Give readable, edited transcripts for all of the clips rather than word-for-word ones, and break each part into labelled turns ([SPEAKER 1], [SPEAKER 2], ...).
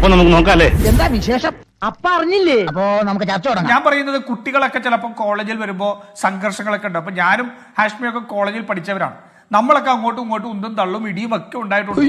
[SPEAKER 1] അപ്പൊ നമുക്ക് നോക്കാല്ലേ
[SPEAKER 2] എന്താ വിശേഷം? അപ്പ അറിഞ്ഞില്ലേ? അപ്പോ നമുക്ക് ചർച്ച തുടങ്ങാം.
[SPEAKER 3] ഞാൻ പറയുന്നത് കുട്ടികളൊക്കെ ചിലപ്പോൾ കോളേജിൽ വരുമ്പോൾ സംഘർഷങ്ങളൊക്കെ ഉണ്ട്. അപ്പൊ ഞാനും ഹാഷ്മിയൊക്കെ കോളേജിൽ പഠിച്ചവരാണ്. നമ്മളൊക്കെ അങ്ങോട്ടും ഇങ്ങോട്ടും ഉന്തും തള്ളും ഇടിയും ഒക്കെ ഉണ്ടായിട്ടുണ്ട്.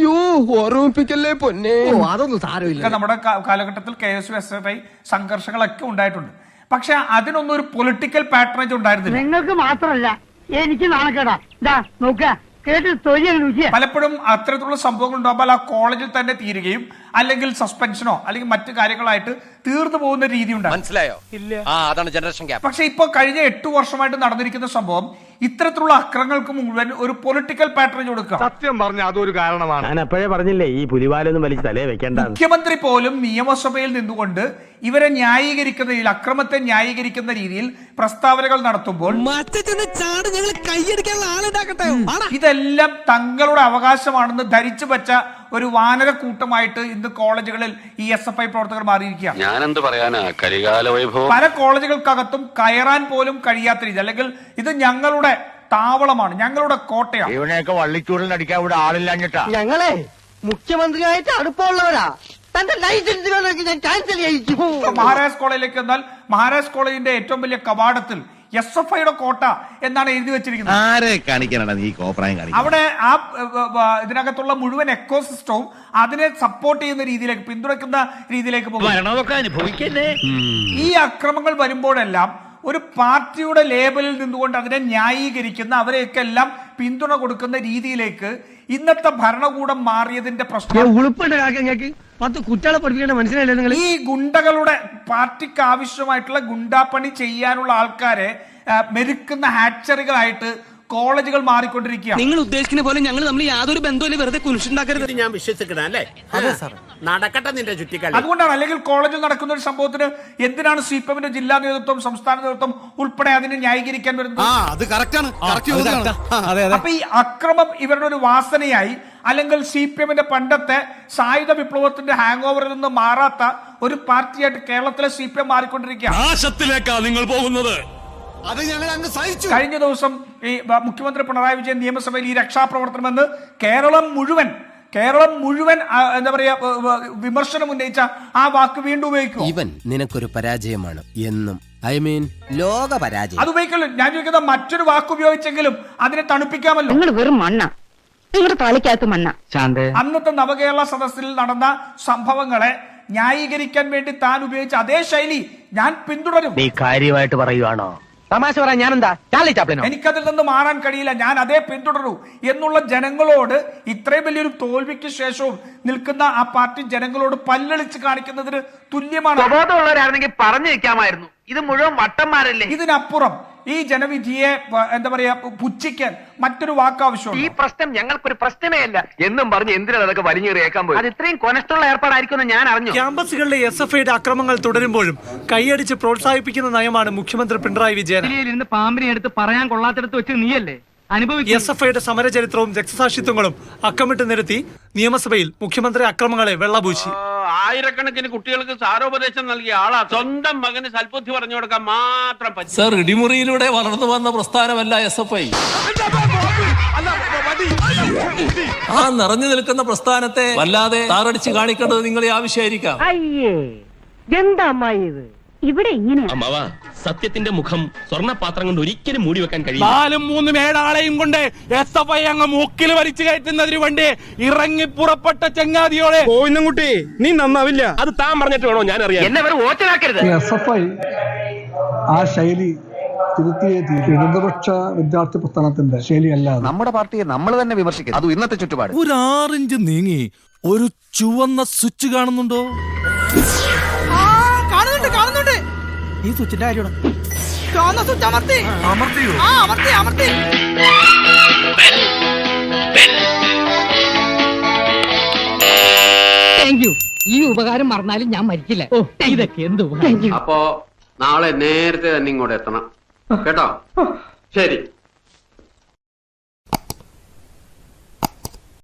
[SPEAKER 2] അതൊന്നും സാരമില്ല.
[SPEAKER 3] നമ്മുടെ കാലഘട്ടത്തിൽ KSU SFI സംഘർഷങ്ങളൊക്കെ ഉണ്ടായിട്ടുണ്ട്. പക്ഷെ അതിനൊന്നും ഒരു പൊളിറ്റിക്കൽ പാറ്റേണേജ് ഉണ്ടായിരുന്നില്ല.
[SPEAKER 4] നിങ്ങൾക്ക് മാത്രമല്ല എനിക്ക് നാണക്കേടാ. നോക്കുക കേട്ട്
[SPEAKER 3] പലപ്പോഴും അത്തരത്തിലുള്ള സംഭവങ്ങൾ ഉണ്ടാകുമ്പോൾ ആ കോളേജിൽ തന്നെ തീരുകയും അല്ലെങ്കിൽ സസ്പെൻഷനോ അല്ലെങ്കിൽ മറ്റു കാര്യങ്ങളായിട്ട് തീർന്നു പോകുന്ന രീതി ഉണ്ടാകും.
[SPEAKER 5] മനസ്സിലായോ? ഇല്ല. അതാണ് ജനറേഷൻ ഗ്യാപ്പ്.
[SPEAKER 3] പക്ഷെ ഇപ്പൊ കഴിഞ്ഞ 8 വർഷമായിട്ട് നടന്നിരിക്കുന്ന സംഭവം ഇത്തരത്തിലുള്ള അക്രമങ്ങൾക്ക് മുഴുവൻ ഒരു പൊളിറ്റിക്കൽ പാറ്റേൺ കൊടുക്കുക.
[SPEAKER 1] സത്യം പറഞ്ഞ അതൊരു കാരണമാണ്. ഞാൻ എപ്പോഴേ പറഞ്ഞില്ലേ ഈ പുലിവാലൊന്നും വലിച്ച് തലേ വെക്കേണ്ട.
[SPEAKER 3] മുഖ്യമന്ത്രി പോലും നിയമസഭയിൽ നിന്നുകൊണ്ട് ഇവരെ ന്യായീകരിക്കുന്ന രീതിയിൽ, അക്രമത്തെ ന്യായീകരിക്കുന്ന രീതിയിൽ പ്രസ്താവനകൾ നടത്തുമ്പോൾ ഇതെല്ലാം തങ്ങളുടെ അവകാശമാണെന്ന് ധരിച്ചു വെച്ച ഒരു വാനര കൂട്ടമായിട്ട് ഇന്ന് കോളേജുകളിൽ ഈ SFI പ്രവർത്തകർ മാറിയിരിക്കുകയാണ്.
[SPEAKER 6] ഞാനെന്ത് പറയാനാ, കരികാല വൈഭവം.
[SPEAKER 3] പല കോളേജുകൾക്കകത്തും കയറാൻ പോലും കഴിയാത്ത രീതി, അല്ലെങ്കിൽ ഇത് ഞങ്ങളുടെ താവളമാണ്, ഞങ്ങളുടെ കോട്ടയാണ്.
[SPEAKER 1] ഇവനെയൊക്കെ വള്ളിച്ചൂടിൽ അടിക്കാൻ ഇവിടെ ആളില്ലാഞ്ഞിട്ടാ.
[SPEAKER 2] ഞങ്ങളെ മുഖ്യമന്ത്രിയായിട്ട് അടുപ്പമുള്ളവരാ. തന്റെ ലൈസൻസ് ഞാൻ ക്യാൻസൽ ചെയ്യിച്ചു.
[SPEAKER 3] മഹാരാജ് കോളേജിലേക്ക് എന്നാൽ മഹാരാജ് കോളേജിന്റെ ഏറ്റവും വലിയ കവാടത്തിൽ SFIയുടെ കോട്ട എന്നാണ് എഴുതി വെച്ചിരിക്കുന്നത്. അവിടെ ആ ഇതിനകത്തുള്ള മുഴുവൻ എക്കോസിസ്റ്റവും അതിനെ സപ്പോർട്ട് ചെയ്യുന്ന രീതിയിലേക്ക്, പിന്തുണയ്ക്കുന്ന രീതിയിലേക്ക് പോകും. ഈ അക്രമങ്ങൾ വരുമ്പോഴെല്ലാം ഒരു പാർട്ടിയുടെ ലേബലിൽ നിന്നുകൊണ്ട് അതിനെ ന്യായീകരിക്കുന്ന, അവരെയൊക്കെ എല്ലാം പിന്തുണ കൊടുക്കുന്ന രീതിയിലേക്ക് ഇന്നത്തെ ഭരണകൂടം മാറിയതിന്റെ പ്രശ്നം ഈ ഗുണ്ടകളുടെ പാർട്ടിക്ക് ആവശ്യമായിട്ടുള്ള ഗുണ്ടാപ്പണി ചെയ്യാനുള്ള ആൾക്കാരെ മെരുക്കുന്ന ഹാച്ചറികളായിട്ട് കോളേജുകൾ മാറിക്കൊണ്ടിരിക്കുകയാണ്.
[SPEAKER 7] നിങ്ങൾ ഉദ്ദേശിക്കുന്ന പോലെ ഞങ്ങൾ നമ്മൾ യാതൊരു ബന്ധമില്ല, വെറുതെ കുരിശുണ്ടാക്കരുത്.
[SPEAKER 5] ഞാൻ വിശ്വസിക്കണം അല്ലേ? അതെ സാർ, നടക്കട്ടെ നിന്റെ ചുറ്റിക്കളി.
[SPEAKER 3] അതുകൊണ്ടാണ്, അല്ലെങ്കിൽ കോളേജിൽ നടക്കുന്ന ഒരു സംഭവത്തിന് എന്തിനാണ് CPMന്റെ ജില്ലാ നേതൃത്വം, സംസ്ഥാന നേതൃത്വം ഉൾപ്പെടെ അതിനെ ന്യായീകരിക്കാൻ വരുന്നത്? അപ്പൊ ഈ അക്രമം ഇവരുടെ ഒരു വാസനയായി, അല്ലെങ്കിൽ CPMന്റെ പണ്ടത്തെ സായുധ വിപ്ലവത്തിന്റെ ഹാങ് ഓവറിൽ നിന്ന് മാറാത്ത ഒരു പാർട്ടിയായിട്ട് കേരളത്തിലെ CPM മാറിക്കൊണ്ടിരിക്കുകയാണ്.
[SPEAKER 6] നിങ്ങൾ പോകുന്നത്
[SPEAKER 3] കഴിഞ്ഞ ദിവസം ഈ മുഖ്യമന്ത്രി പിണറായി വിജയൻ നിയമസഭയിൽ ഈ രക്ഷാപ്രവർത്തനമെന്ന് കേരളം മുഴുവൻ എന്താ പറയാ വിമർശനം ഉന്നയിച്ച ആ വാക്ക് വീണ്ടും ഉപയോഗിക്കും.
[SPEAKER 5] ഇവൻ നിനക്കൊരു പരാജയമാണ് എന്നും, ലോക പരാജയം.
[SPEAKER 3] അത് ഉപയോഗിക്കല്ലോ. ഞാൻ ചോദിക്കുന്ന മറ്റൊരു വാക്ക് ഉപയോഗിച്ചെങ്കിലും അതിനെ തണുപ്പിക്കാമല്ലോ.
[SPEAKER 4] നിങ്ങൾ വെറും മണ്ണ, നിങ്ങളുടെ തലയ്ക്കകത്ത് മണ്ണ.
[SPEAKER 3] അന്നത്തെ നവകേരള സദസ്സിൽ നടന്ന സംഭവങ്ങളെ ന്യായീകരിക്കാൻ വേണ്ടി താൻ ഉപയോഗിച്ച അതേ ശൈലി ഞാൻ പിന്തുടരും.
[SPEAKER 1] നീ കാര്യമായിട്ട് പറയുവാണോ? തമാശ പറയാൻ ഞാനെന്താ ചാർലി ചാപ്ലിനോ?
[SPEAKER 3] എനിക്കതിൽ നിന്ന് മാറാൻ കഴിയില്ല, ഞാൻ അതേ പിന്തുടരൂ എന്നുള്ള ജനങ്ങളോട്, ഇത്രയും വലിയൊരു തോൽവിക്ക് ശേഷവും നിൽക്കുന്ന ആ പാർട്ടി ജനങ്ങളോട് പല്ലളിച്ച് കാണിക്കുന്നതിന് തുല്യമാണ്.
[SPEAKER 2] ബോധമുള്ളവരായിരുന്നെങ്കിൽ പറഞ്ഞു വെക്കാമായിരുന്നു. ഇത് മുഴുവൻ വട്ടന്മാരല്ലേ.
[SPEAKER 3] ഇതിനപ്പുറം ഈ ജനവിധിയെ എന്താ പറയാ പുച്ഛിക്കാൻ മറ്റൊരു വാക്ക് ആവശ്യമാണ്.
[SPEAKER 2] ഈ പ്രശ്നം ഞങ്ങൾക്കൊരു പ്രശ്നമേ അല്ല എന്നും പറഞ്ഞ് എന്തിനാ അതൊക്കെ വലിഞ്ഞേറിയേക്കാൻ പോയി? അത് ഇത്രയും കൊനഷ്ടമുള്ള ഏർപ്പാടായിരിക്കും ഞാൻ അറിഞ്ഞു.
[SPEAKER 8] ക്യാമ്പസുകളിലെ SFIയുടെ അക്രമങ്ങൾ തുടരുമ്പോഴും കൈയടിച്ച് പ്രോത്സാഹിപ്പിക്കുന്ന നയമാണ് മുഖ്യമന്ത്രി പിണറായി വിജയൻ.
[SPEAKER 4] പാമ്പിനെ എടുത്ത് പറയാൻ കൊള്ളാത്തിടത്ത് വെച്ച് നീയല്ലേ
[SPEAKER 8] SFIയുടെ സമരചരിത്രവും രക്തസാക്ഷിത്വങ്ങളും അക്കമിട്ട് നിരത്തി നിയമസഭയിൽ മുഖ്യമന്ത്രി അക്രമങ്ങളെ വെള്ളപൂശി.
[SPEAKER 6] ആയിരക്കണക്കിന് കുട്ടികൾക്ക് സാരോപദേശം നൽകിയ ആളാ. സ്വന്തം മകന് സൽബുദ്ധി പറഞ്ഞു കൊടുക്കാൻ മാത്രം പറ്റും.
[SPEAKER 7] സർ, ഇടിമുറിയിലൂടെ വളർന്നു വന്ന പ്രസ്ഥാനമല്ല SFI. ആ നിറഞ്ഞു നിൽക്കുന്ന പ്രസ്ഥാനത്തെ വല്ലാതെ താറടിച്ച് കാണിക്കേണ്ടത് നിങ്ങളെ ആവശ്യമായിരിക്കാം.
[SPEAKER 4] അയ്യേ എന്താ അമ്മായി ഇത്? ഇവിടെ ഇങ്ങനെയാ
[SPEAKER 6] അമ്മാവാ, സത്യത്തിന്റെ മുഖം സ്വർണ്ണപാത്രം കൊണ്ട് ഒരിക്കലും മൂടി വെക്കാൻ കഴിയും.
[SPEAKER 8] 4-3 ആളെയും കൊണ്ട് SFI അങ്ങ് മൂക്കിൽ വലിച്ചു കയറ്റുന്നതിന് വേണ്ടി ഇറങ്ങി പുറപ്പെട്ട ചങ്ങാതിയോടെ
[SPEAKER 1] കുട്ടി നീ നന്നാവില്ല.
[SPEAKER 6] അത് താൻ പറഞ്ഞിട്ട് വേണോ ഞാൻ അറിയാം.
[SPEAKER 2] എന്നെ വെറും ഓച്ചലാക്കരുത്.
[SPEAKER 9] SFI ആ ശൈലി തിരുത്തിയേ തീരും. ഇടതുപക്ഷ വിദ്യാർത്ഥി പ്രസ്ഥാനത്തിന്റെ ശൈലിയല്ല. നമ്മുടെ പാർട്ടിയെ നമ്മൾ തന്നെ വിമർശിക്കും. അത് ഇന്നത്തെ ചുറ്റുപാട്.
[SPEAKER 7] ഒരു 6 ഇഞ്ച് നീങ്ങി ഒരു ചുവന്ന സ്വിച്ച് കാണുന്നുണ്ടോ?
[SPEAKER 2] കാണുന്നുണ്ട്.
[SPEAKER 7] ഈ സ്വിച്ചിന്റെ കാര്യമാണ്.
[SPEAKER 4] ഈ ഉപകാരം മറന്നാലും ഞാൻ മരിക്കില്ല. ഇതൊക്കെ എന്ത്?
[SPEAKER 6] അപ്പോ നാളെ നേരത്തെ തന്നെ ഇങ്ങോട്ട് എത്തണം കേട്ടോ? ശരി.